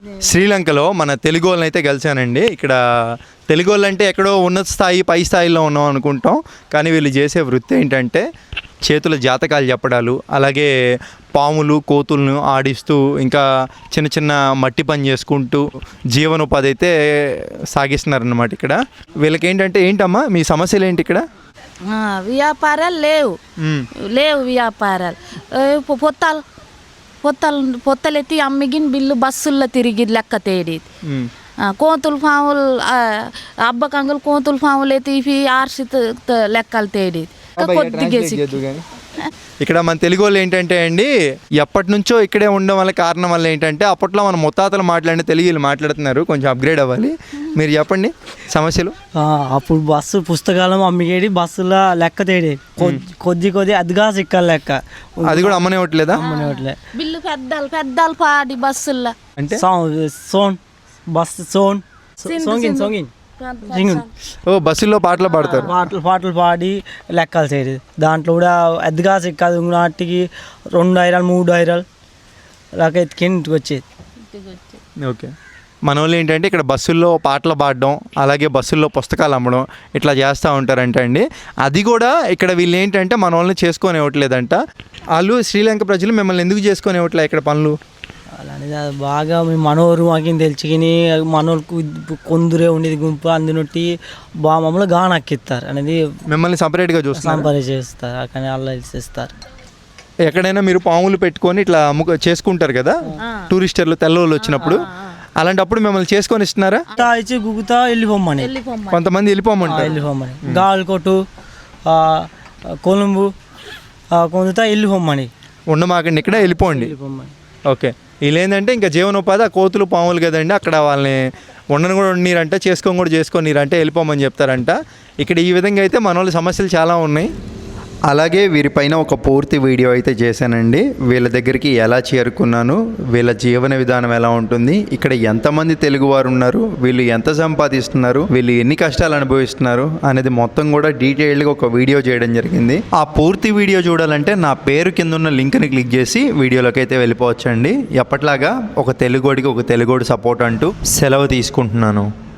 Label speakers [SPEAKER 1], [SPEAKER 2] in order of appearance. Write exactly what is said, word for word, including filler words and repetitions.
[SPEAKER 1] శ్రీలంకలో మన తెలుగు వాళ్ళని అయితే కలిసానండి. ఇక్కడ తెలుగు వాళ్ళు అంటే ఎక్కడో ఉన్నత స్థాయి పై స్థాయిలో ఉన్నాం అనుకుంటాం, కానీ వీళ్ళు చేసే వృత్తి ఏంటంటే చేతుల జాతకాలు చెప్పడాలు, అలాగే పాములు కోతులను ఆడిస్తూ ఇంకా చిన్న చిన్న మట్టి పని చేసుకుంటూ జీవనోపాధి అయితే సాగిస్తున్నారన్నమాట. ఇక్కడ వీళ్ళకి ఏంటంటే ఏంటమ్మా మీ సమస్యలు ఏంటి ఇక్కడ?
[SPEAKER 2] వ్యాపారాలు లేవు లేవు వ్యాపారాలు పొత్తాలు పొత్తలు పొత్తలెత్తి అమ్మిగిన బిల్లు బస్సుల్లో తిరిగి లెక్క తేడి కోతులు పాములు అబ్బకంగులు కోతులు పాములు ఎత్తి ఆర్సి లెక్కలు తేడి కొద్దిగా.
[SPEAKER 1] ఇక్కడ మన తెలుగు వాళ్ళు ఏంటంటే అండి ఎప్పటి నుంచో ఇక్కడే ఉండడం వల్ల కారణం వల్ల ఏంటంటే అప్పట్లో మన ముత్తాతలు మాట్లాడిన తెలుగు మాట్లాడుతున్నారు, కొంచెం అప్గ్రేడ్ అవ్వాలి. మీరు చెప్పండి సమస్యలు.
[SPEAKER 3] అప్పుడు బస్సు పుస్తకాలు అమ్మిగేది బస్సులో లెక్క తేడి కొద్ది కొద్ది అదిగా సిక్కలు లెక్క
[SPEAKER 1] అది కూడా అమ్మనివ్వట్లేదా?
[SPEAKER 3] అమ్మనివ్వట్లే.
[SPEAKER 2] బిల్లు పెద్దలు పెద్దలు పాడి బస్సుల్లో
[SPEAKER 1] అంటే
[SPEAKER 3] సోన్ బస్సు సోన్ సోంగిన్ సోంగిన్
[SPEAKER 1] ఓ బస్సుల్లో పాటలు పాడతారు,
[SPEAKER 3] పాటలు పాటలు పాడి లెక్కలు చేయదు. దాంట్లో కూడా ఎద్దుగా సిక్కదు నాటికి రెండు ఐరాలు మూడు ఐరాలు లాగా ఎత్తుకి ఇంటికి వచ్చేది.
[SPEAKER 1] ఓకే, మన వాళ్ళు ఏంటంటే ఇక్కడ బస్సుల్లో పాటలు పాడడం అలాగే బస్సుల్లో పుస్తకాలు అమ్మడం ఇట్లా చేస్తూ ఉంటారంట అండి. అది కూడా ఇక్కడ వీళ్ళు ఏంటంటే మన వాళ్ళని చేసుకొని ఇవ్వట్లేదంట. వాళ్ళు శ్రీలంక ప్రజలు మిమ్మల్ని ఎందుకు చేసుకొని ఇవ్వట్లే ఇక్కడ పనులు?
[SPEAKER 3] అలానే బాగా మేము మనోరు మాకు తెలిసిని మనోళ్ళకు కొందరే ఉండేది గుంపు అందునొట్టి బాగా మమ్మల్ని గాన అక్కిస్తారు అనేది
[SPEAKER 1] మిమ్మల్ని సపరేట్గా చూస్తారు,
[SPEAKER 3] సంపరి చేస్తారు కానీ వాళ్ళు చేస్తారు.
[SPEAKER 1] ఎక్కడైనా మీరు పాములు పెట్టుకొని ఇట్లా అమ్ముకు చేసుకుంటారు కదా టూరిస్టర్లు తెల్లవాళ్ళు వచ్చినప్పుడు, అలాంటప్పుడు మిమ్మల్ని చేసుకొని ఇస్తున్నారా?
[SPEAKER 3] ఇచ్చి గుగుతా వెళ్ళిపోమ్మని
[SPEAKER 1] కొంతమంది వెళ్ళిపోమంటారు.
[SPEAKER 3] వెళ్ళిపోమ్మని గాలికోటు కొలుంబు కొందుతా వెళ్ళిపోమ్మని
[SPEAKER 1] ఉండమాకండి ఇక్కడ వెళ్ళిపోండి. ఓకే, వీళ్ళు ఏంటంటే ఇంకా జీవనోపాధి ఆ కోతులు పాములు కదండి, అక్కడ వాళ్ళని ఉండను కూడా ఉండనీరంట, చేసుకొని కూడా చేసుకోనీరంటే వెళ్ళిపోమని చెప్తారంట. ఇక్కడ ఈ విధంగా అయితే మన వాళ్ళ సమస్యలు చాలా ఉన్నాయి. అలాగే వీరిపైన ఒక పూర్తి వీడియో అయితే చేశానండి. వీళ్ళ దగ్గరికి ఎలా చేరుకున్నాను, వీళ్ళ జీవన విధానం ఎలా ఉంటుంది, ఇక్కడ ఎంతమంది తెలుగువారు ఉన్నారు, వీళ్ళు ఎంత సంపాదిస్తున్నారు, వీళ్ళు ఎన్ని కష్టాలు అనుభవిస్తున్నారు అనేది మొత్తం కూడా డీటెయిల్డ్గా ఒక వీడియో చేయడం జరిగింది. ఆ పూర్తి వీడియో చూడాలంటే నా పేరు కింద ఉన్న లింక్ని క్లిక్ చేసి వీడియోలోకి అయితే వెళ్ళిపోవచ్చండి. ఎప్పట్లాగా ఒక తెలుగోడికి ఒక తెలుగోడి సపోర్ట్ అంటూ సెలవు తీసుకుంటున్నాను.